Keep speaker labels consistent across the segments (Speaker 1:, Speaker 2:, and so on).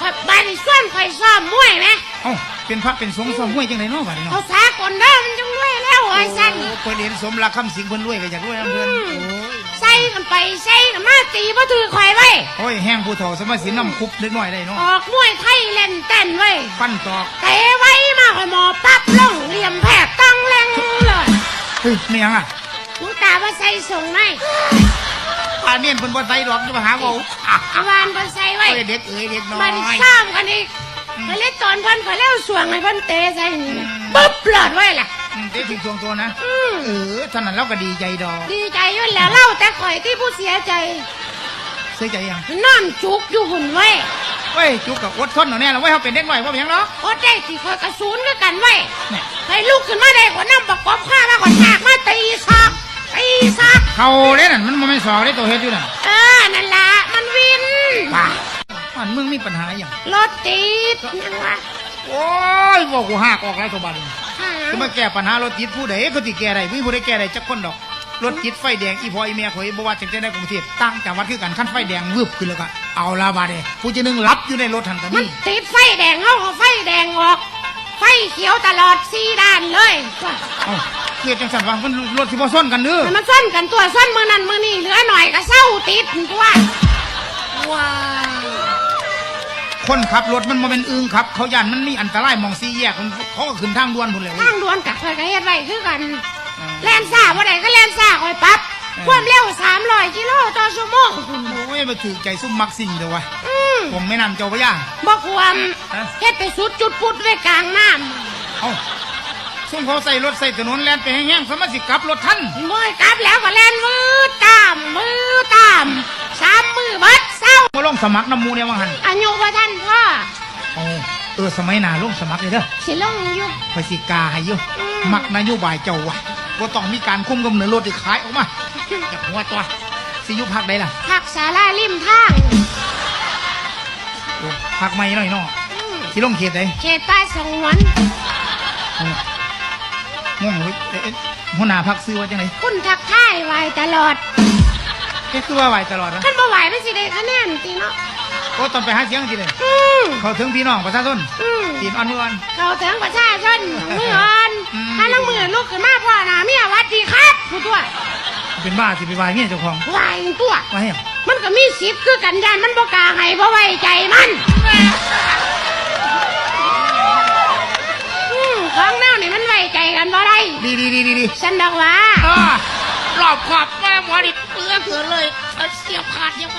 Speaker 1: ข่อยบ้านส่วนข่อยซ้อมมวยไหม
Speaker 2: เอ้าเป็นพระเป็นสงฆ์ซ้อมมวยจังไดเนาะบัดนี้เนาะ
Speaker 1: เขาสากลเด้อมันจังรวยแล้วไอ้สัน
Speaker 2: เพิ่นเห็นสมรักคำสิงเพิ่นรวยก็อยากรวยนำเพิ่น
Speaker 1: ใส่กันไปใส่กันมาตีบ่ถือข่อยไว้
Speaker 2: โอ้ยแห้งผู้เฒ่าสมัยสินำคุบเล็กน้อยได้เนาะ
Speaker 1: ออกมวยไทยเล่นเต้นไว้
Speaker 2: ฟันตอก
Speaker 1: เตะไว้มาข่อยหมอปั๊บลงเหลี่ยมแผกตั้งแรงเลย
Speaker 2: เฮ้ยไม่ยังอ่ะ
Speaker 1: ลุงตาว่าใส่ส่งไหม
Speaker 2: ป่านนี้เพิ่นบ่ใส่ดอกจะมาหาเว้าว
Speaker 1: านบ่ใส่ไว้
Speaker 2: เด็กเด็กน้อย
Speaker 1: มันซ้ำกันอีกไปเล่นตอนเพิ่นข่อยเล่าสวงให้เพิ่นเตะใส่ปุ๊บหลอดไว้ล่ะ
Speaker 2: เด็กถึงช่วงตัวนะท่านนั้นเราก็ดีใจดอก
Speaker 1: ดีใจอยู่แล้วเล่าแต่ข่อยที่ผู้เสียใจ
Speaker 2: เสียใจยัง
Speaker 1: นอนจุกอยู่หุ่นไว้
Speaker 2: เว้ยจุกกับอดทนหน่อยแน่เราไว้เขาเป็นเด็กหน่อยว่าเป็นยังเนาะ
Speaker 1: อดได้สิข่อยกระสุนด้วยกันไว้ให้ลุกขึ้นมาได้กว่าน้ำประกอบข้ามาก่อนฉากมาตีซอก
Speaker 2: เขาเล่นนั่นมันไม่สอได้ตัวเฮ็ดอยู่น่ะ
Speaker 1: นั่นละมันวิน
Speaker 2: ป่ามันมึงมีปัญหาอย่าง
Speaker 1: รถติดยังวะ
Speaker 2: โอ้ยบอกกูหักออกแล้วตัวบันจะมาแก้ปัญหารถติดผู้ใดก็ติแก้ได้ไม่ผู้ใดแก้ได้จักคนดอกรถติดไฟแดงอีพออีเมียข่อยบ่ว่าจังได๋ในกรุงเทพตั้งจังหวัดคือกันคันไฟแดงวืบขึ้นแล้วก็เอาละบาดนี้ผู้จะนึงรับอยู่ในรถทันตะ
Speaker 1: มันติดไฟแดงเอาไฟแดงออกไฟเขียวตลอด4ด้านเลย
Speaker 2: เกียรจังสันว่ามันรถสิบ่ซ้อนกันเด้อ
Speaker 1: มันซ้อนกันตัวซ้อนมือนั่นมือนี่เหลือหน่อยก็เศร้าติดตัวว้า
Speaker 2: คนขับรถมันบ่เป็นอึ้งครับเขาย่านมันมีอันตรายมอง4แยกเขาก็ขึ้นทางด่วนพุ่นแล้ว
Speaker 1: ทางด่วนกับข่อยก็เฮ็ดไว้คือกันแล่นซ่าบ่ได้ก็แล่นซ่าข่อยปั๊บความเร็ว300กิโลต่อชั่วโมง
Speaker 2: โอ้ยบ่ถูกใจซุ่มมักสิ่งเด้อวะผมไม่นำเจ้าพระยา
Speaker 1: บ่ความเฮ็ดไปสุดจุดปุดไว้กลางน้
Speaker 2: ำเอ้าซุ่มเขาใส่รถใส่ถนนแล่นไปแห้งๆสามารถสิกลับรถทัน
Speaker 1: บ่กลับแล้วก็แล่นมือตาม3มือเบิดเศร้า
Speaker 2: บ่ลงสมัครน้ำมูเนี่ยว่าหั่น
Speaker 1: อายุบ่ทันพ่อ
Speaker 2: สมัยหน้าลงสมัครเลยเด้อ
Speaker 1: สิลงอยู่
Speaker 2: ไปสิกาให้อยู่มักนโยบายเจ้าวะบ่ต้องมีการคุมกำเนิดรถที่ขายออกมาอยากหัวตัวสิอยู่ภาคใดล่ะ
Speaker 1: ภาคศาลาริมทาง
Speaker 2: ภาคใหม่หน่อยเนาะสิลงเขตใด
Speaker 1: เขตใต้สงวน
Speaker 2: ง่วงเว้ยหัวหน้าพรรคซื้อว่าจังได๋
Speaker 1: คุณทักทายไหวตลอด
Speaker 2: คือว่าไหวตลอดนะ
Speaker 1: คันบ่ไหวมันสิได้คะแนนติเนาะ
Speaker 2: โอ้ตอนไปหาเสียงสิเลยเขาถึงพี่น้องประชาชนตีนอ่อนมืออ่อน
Speaker 1: เขาถึงประชาชนมืออ่อนถ้าลังมือลูกขึ้นมาพ่อหน้าเมียวัดดีครับผู้ตัว
Speaker 2: เป็นบ้าสิไปวายเงี้ยเจ้าของ
Speaker 1: วายตัว
Speaker 2: วาย
Speaker 1: มันก็มีสิทธิ์คือกันยานมันบ่กล้าให้เพราะไว้ใจมันของแนวนี่มันไว้ใจกันบ่ได้
Speaker 2: ดี
Speaker 1: ฉันบอกว่ารอบขอบแม่หมอดิเปื้อเกินเลยเสียบขาดเดียว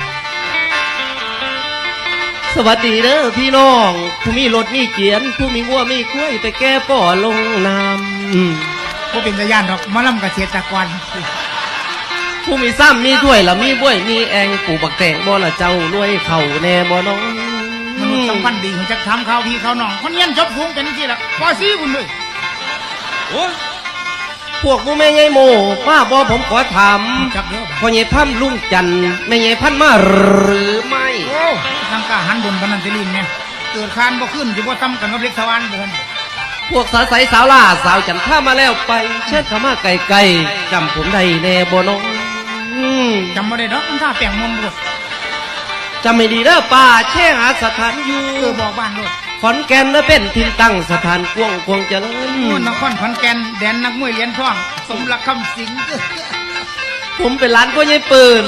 Speaker 3: สวัสดีเด้อพี่น้องผู้มีรถมีเกียนผู้มีวัวมีกล้วยไปแก้ป่อลงน้
Speaker 2: ำผู้เป็นตะย่านดอกมะลำกระเทียตะกวน
Speaker 3: ผู้มีซ้ำมีด้วยละมีบ้วยมีแองปู่บักแตงบ่ละเจ้ารวยเข่าแน่บ่น้อง
Speaker 2: มนุษย์สัมพันธ์ดีของจักทำข้าวพี่ข้าวน้องคนเย็นจบสูงเป็นที่ละปอซี่คุณเลย
Speaker 3: โอ้พวกผู้แม่ใหญ่โมป้าบ่ผมขอถามพ่อใหญ่พันลุงจันแม่ใหญ่พันมาหรือไม่
Speaker 2: โอ้ทางกาหันบนพนันเตลินเนี่ยเกิดคานบ่ขึ้นจะบ่ซ้ำกันกับเล็กสวรรค์เดิน
Speaker 3: พวกสาวใสสาวล่าสาวจันท่ามาแล้วไปเชิดเข้ามาไกลๆจำผมได้แน่บ่น้อง
Speaker 2: จำบ่ได้ดอกมันท่าแปลงมนต์บ่
Speaker 3: จำไม่ดีเด้อป่าแช่หาสถานอยู่
Speaker 2: บอกบ้านโลด
Speaker 3: ขอนแก่นเป็นถิ่นตั้งสถานกวงควงเจริญ
Speaker 2: นครขอนแก่นแดนนักมวยเหรียญทองสมรักคำสิง
Speaker 3: ผมเป็นร้านพ่อใหญ่ปืน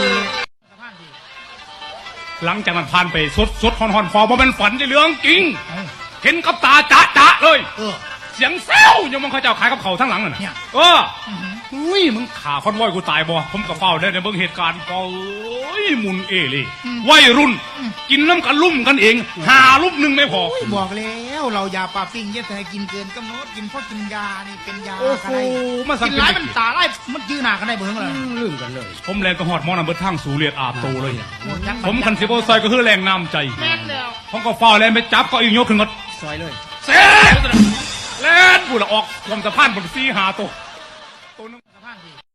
Speaker 4: หลังจากมันผ่านไปสดฮอนฟอร์มันฝันในเรื่องจริงเห็นกับตาจะเลยเสียงเซลยังมึงเขาจะขายกับเขาทั้งหลังน่ะอุ้ยมึงขาคอนวอยกูตายบ่ผมกับเฝ้าได้ในเบื้องเหตุการณ์ก็หมุนเลยวัยรุ่นกินน้ำกันลุ่มกันเองหาลุ่มหนึ่งไม่พอ
Speaker 2: บอกแล้วเรายาปลาปิ้งเยอะแต่กินเกินกำหนดกินเพราะกินยานี่เป็นยาอะไรกินหลายมันตาไล่มันยืนหนากันได้เบื้องเลย
Speaker 4: ลืมกันเลยผมแรงกระหอดมอนันเบิร์ทั้งสูเรียดอาบโตเลยผมคันสิบโอซอยก็คือแรงน้ำใจผมก็เฝ้าแรงไปจับก็อีกยกขึ้นก็
Speaker 3: ซอยเลย
Speaker 4: เซ่แล่นกูละออกความสะพานบนซีหาตัวนึงสะพาน